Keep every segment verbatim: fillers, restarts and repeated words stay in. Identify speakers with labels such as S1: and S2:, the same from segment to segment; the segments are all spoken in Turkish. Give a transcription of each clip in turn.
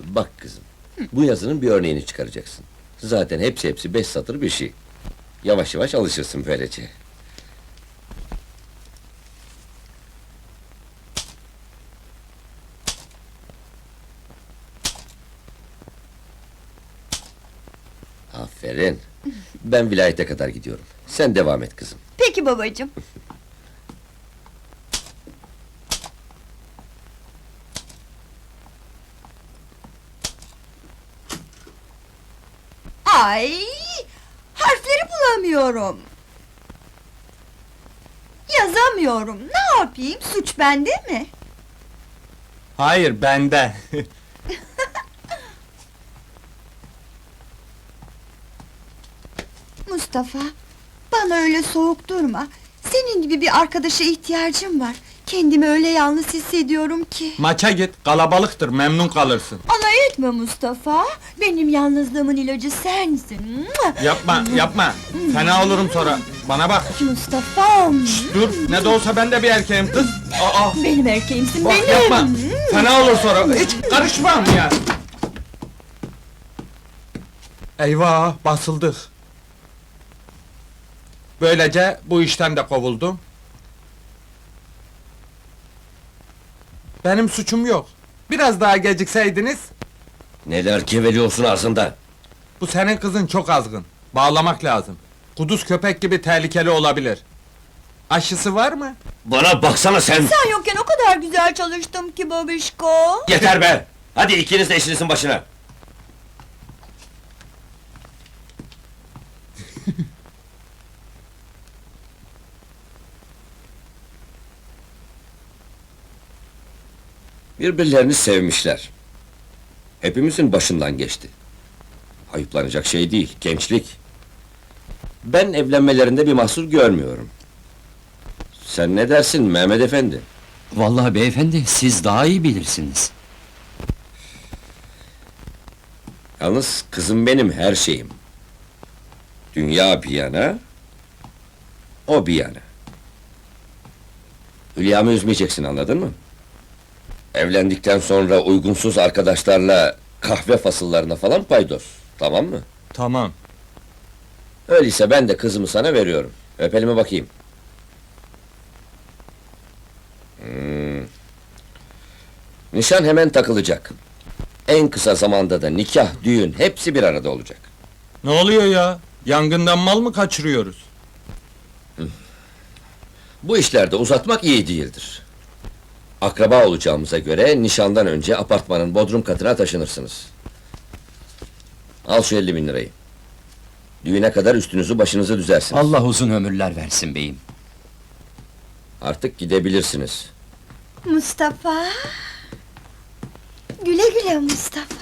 S1: Bak kızım, bu yazının bir örneğini çıkaracaksın. Zaten hepsi hepsi beş satır bir şey. Yavaş yavaş alışırsın böylece. Aferin. Ben vilayete kadar gidiyorum. Sen devam et kızım.
S2: Peki babacığım. Ay, harfleri bulamıyorum. Yazamıyorum. Ne yapayım? Suç bende mi?
S3: Hayır, bende.
S2: Mustafa, bana öyle soğuk durma. Senin gibi bir arkadaşa ihtiyacım var. Kendimi öyle yalnız hissediyorum ki.
S3: Maça git, kalabalıktır, memnun kalırsın.
S2: Alay etme Mustafa. Benim yalnızlığımın ilacı sensin.
S3: Yapma, yapma. Fena olurum sonra. Bana bak.
S2: Mustafa'm.
S3: Dur, ne de olsa ben de bir erkeğim kız. Aa,
S2: Benim erkeğimsin,
S3: bak
S2: benim.
S3: yapma. Fena olur sonra. Hiç karışmam ya. Eyvah, basıldık. Böylece bu işten de kovuldum. Benim suçum yok. Biraz daha gecikseydiniz,
S1: Neler geveliyorsun ağzında?
S3: bu senin kızın çok azgın. Bağlamak lazım. Kuduz köpek gibi tehlikeli olabilir. Aşısı var mı?
S1: Bana baksana sen!
S2: Sen yokken o kadar güzel çalıştım ki babişko.
S1: Yeter be! Hadi ikiniz de işinizin başına! Birbirlerini sevmişler. Hepimizin başından geçti. Ayıplanacak şey değil, gençlik. Ben evlenmelerinde bir mahsur görmüyorum. Sen ne dersin Mehmet Efendi?
S4: Vallahi beyefendi, siz daha iyi bilirsiniz.
S1: Yalnız kızım benim her şeyim. Dünya bir yana, o bir yana. Hülya'mı üzmeyeceksin, anladın mı? Evlendikten sonra uygunsuz arkadaşlarla kahve fasıllarına falan paydos, tamam mı?
S3: Tamam.
S1: Öyleyse ben de kızımı sana veriyorum. Öp elime bakayım. Hmm. Nişan hemen takılacak. En kısa zamanda da nikah, düğün hepsi bir arada olacak.
S3: Ne oluyor ya? Yangından mal mı kaçırıyoruz?
S1: Bu işlerde uzatmak iyi değildir. Akraba olacağımıza göre nişandan önce apartmanın bodrum katına taşınırsınız. Al şu elli bin lirayı. Düğüne kadar üstünüzü başınızı düzersiniz.
S4: Allah uzun ömürler versin beyim.
S1: Artık gidebilirsiniz.
S2: Mustafa. Güle güle Mustafa.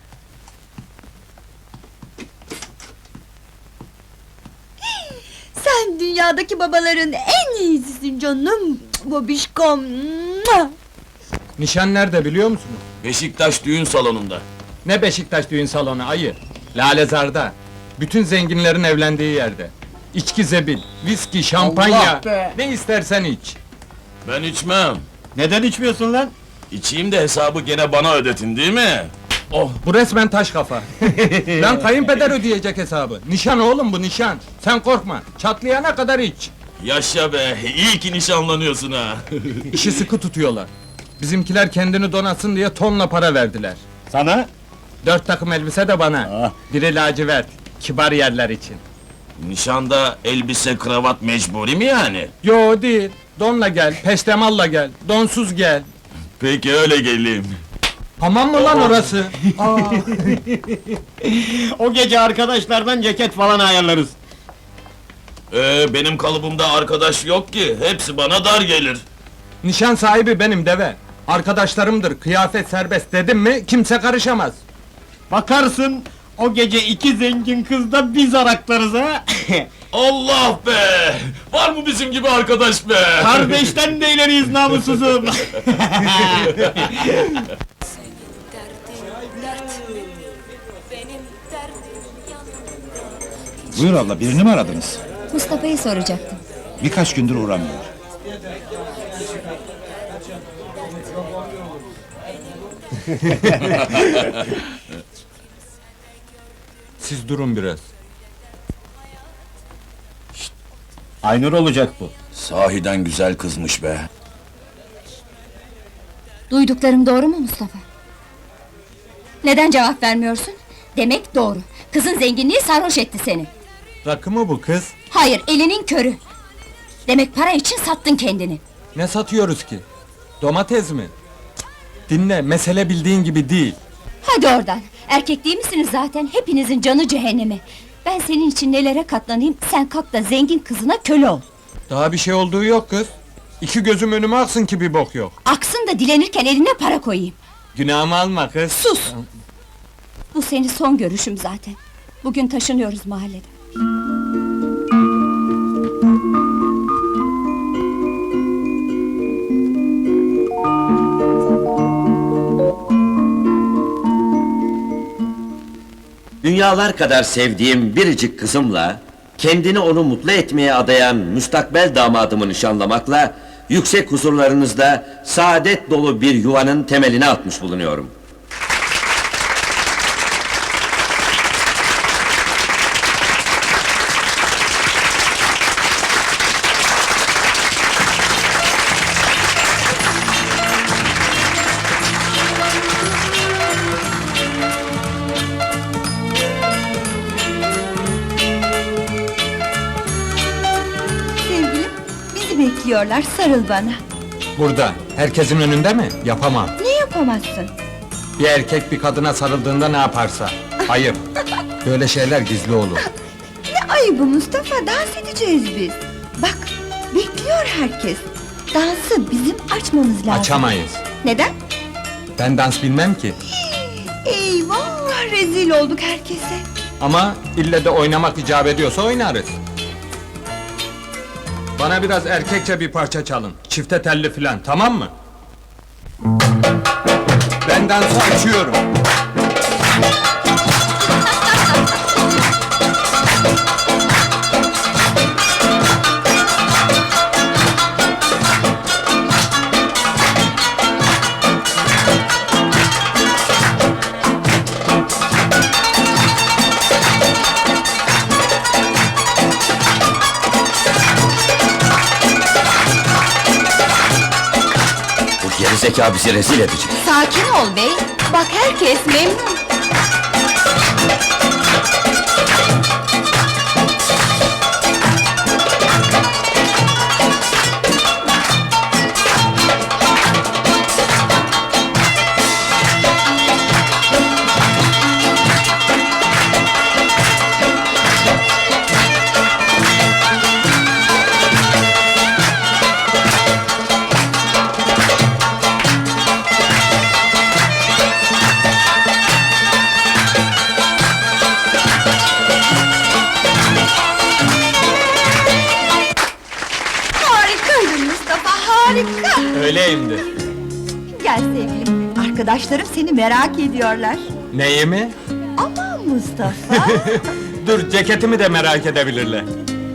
S2: Sen dünyadaki babaların en iyisisin canım. Babişkom.
S3: Nişan nerede biliyor musunuz?
S5: Beşiktaş düğün salonunda.
S3: Ne Beşiktaş düğün salonu ayı? Lalezar'da. Bütün zenginlerin evlendiği yerde. İçki zebil, viski, şampanya.
S5: Allah be!
S3: Ne istersen iç.
S5: Ben içmem.
S6: Neden içmiyorsun lan?
S5: İçeyim de hesabı gene bana ödetin değil mi?
S3: Oh, bu resmen taş kafa. Lan kayınpeder ödeyecek hesabı. Nişan oğlum bu nişan. Sen korkma. Çatlayana kadar iç.
S5: Yaşa be, iyi ki nişanlanıyorsun ha.
S3: İşi sıkı tutuyorlar. Bizimkiler kendini donatsın diye tonla para verdiler.
S6: Sana?
S3: Dört takım elbise de bana.
S6: Ah.
S3: Biri lacivert. Kibar yerler için.
S5: Nişanda elbise kravat mecburi mi yani?
S3: Yo değil. Donla gel, peştemalla gel, donsuz gel.
S5: Peki öyle geleyim.
S3: Hamam mı lan orası? Aa,
S6: O gece arkadaşlardan ceket falan ayarlarız.
S5: Ee, benim kalıbımda arkadaş yok ki, hepsi bana dar gelir.
S3: nişan sahibi benim deve. Arkadaşlarımdır, kıyafet serbest dedim mi kimse karışamaz.
S6: Bakarsın, o gece iki zengin kızda biz araklarız ha!
S5: Allah be! Var mı bizim gibi arkadaş be?
S6: Kardeşten de ileriyiz namussuzum!
S7: Senin derdin dert, benim derdim yanımda.
S8: Buyur abla, birini mi aradınız?
S9: Mustafa'yı soracaktım.
S8: Birkaç gündür uğramıyor.
S3: Siz durun biraz.
S6: Aynur olacak bu.
S8: Sahiden güzel kızmış be.
S9: Duyduklarım doğru mu Mustafa? Neden cevap vermiyorsun? Demek doğru. Kızın zenginliği sarhoş etti seni.
S3: Rakı mı bu kız?
S9: Hayır, elinin körü. Demek para için sattın kendini.
S3: Ne satıyoruz ki? Domates mi? Cık, dinle, mesele bildiğin gibi değil.
S9: Hadi oradan. Erkek değil misiniz zaten? Hepinizin canı cehenneme. Ben senin için nelere katlanayım, sen kalk da zengin kızına köle ol.
S3: Daha bir şey olduğu yok kız. İki gözüm önüme aksın ki bir bok yok.
S9: Aksın da dilenirken eline para koyayım.
S3: Günahımı alma kız.
S9: Sus! Bu senin son görüşüm zaten. Bugün taşınıyoruz mahalleden.
S1: Dünyalar kadar sevdiğim biricik kızımla, kendini onu mutlu etmeye adayan müstakbel damadımı nişanlamakla, yüksek huzurlarınızda saadet dolu bir yuvanın temelini atmış bulunuyorum.
S2: Sevgilim, bizi bekliyorlar, sarıl bana.
S3: Burada, herkesin önünde mi? Yapamam.
S2: Ne yapamazsın?
S3: Bir erkek bir kadına sarıldığında ne yaparsa. Ayıp. Böyle şeyler gizli olur.
S2: Ne ayıbı Mustafa, dans edeceğiz biz. Bak, bekliyor herkes. Dansı bizim açmamız lazım.
S3: Açamayız.
S2: Neden?
S3: Ben dans bilmem ki.
S2: Eyvah, rezil olduk herkese.
S3: Ama ille de oynamak icap ediyorsa oynarız. Bana biraz erkekçe bir parça çalın. Çifte telli filan, tamam mı? Ben dansı açıyorum.
S1: Bu gerizekalı bizi rezil edecek.
S2: Sakin ol bey, bak herkes memnun. Harikaydın Mustafa, harika!
S3: Öyleyimdir.
S2: Gel sevgilim, arkadaşlarım seni merak ediyorlar.
S3: Neyi mi?
S2: Aman Mustafa!
S3: Dur, ceketimi de merak edebilirler.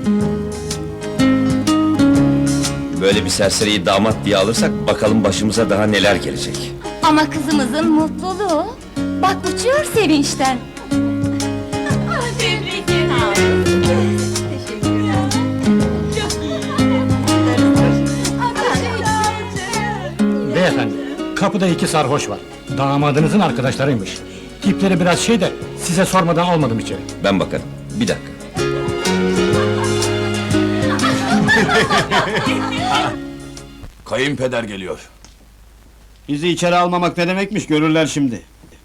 S1: Böyle bir serseriyi damat diye alırsak, bakalım başımıza daha neler gelecek.
S9: Ama kızımızın mutluluğu. Bak uçuyor sevinçten.
S6: Beyefendi, kapıda iki sarhoş var. Damadınızın arkadaşlarıymış. Tipleri biraz şey de size sormadan almadım içeri.
S1: Ben bakarım. Bir dakika.
S5: Kayınpeder geliyor.
S6: Bizi içeri almamak ne demekmiş görürler şimdi.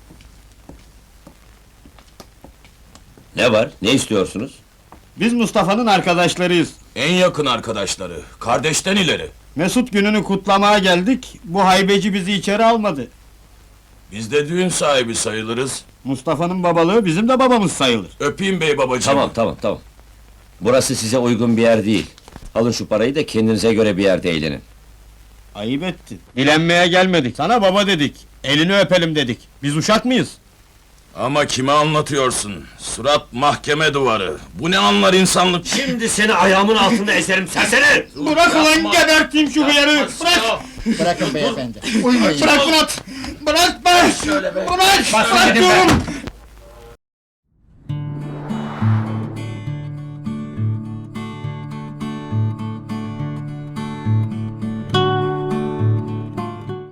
S1: Ne var? Ne istiyorsunuz?
S6: Biz Mustafa'nın arkadaşlarıyız.
S5: En yakın arkadaşları, kardeşten ileri.
S6: Mesut gününü kutlamaya geldik. Bu haybeci bizi içeri almadı.
S5: Biz de düğün sahibi sayılırız.
S6: Mustafa'nın babalığı bizim de babamız sayılır.
S5: Öpeyim bey babacığım.
S1: Tamam, tamam, tamam. Burası size uygun bir yer değil. Alın şu parayı da kendinize göre bir yerde eğlenin.
S6: Ayıp ettin. Dilenmeye gelmedik. Sana baba dedik. Elini öpelim dedik. Biz uşak mıyız?
S5: Ama kime anlatıyorsun? Surat mahkeme duvarı. Bu ne anlar insanlık?
S1: Şimdi seni ayağımın altında ezerim serseri!
S6: Bırak ulan geberteyim şu hıyarı! Bırak!
S8: Bırakın beyefendi.
S6: Bırak Murat!
S3: Bırak be! Bırak!
S6: Bas
S3: Bırak
S6: dedim
S3: diyorum!
S6: ben!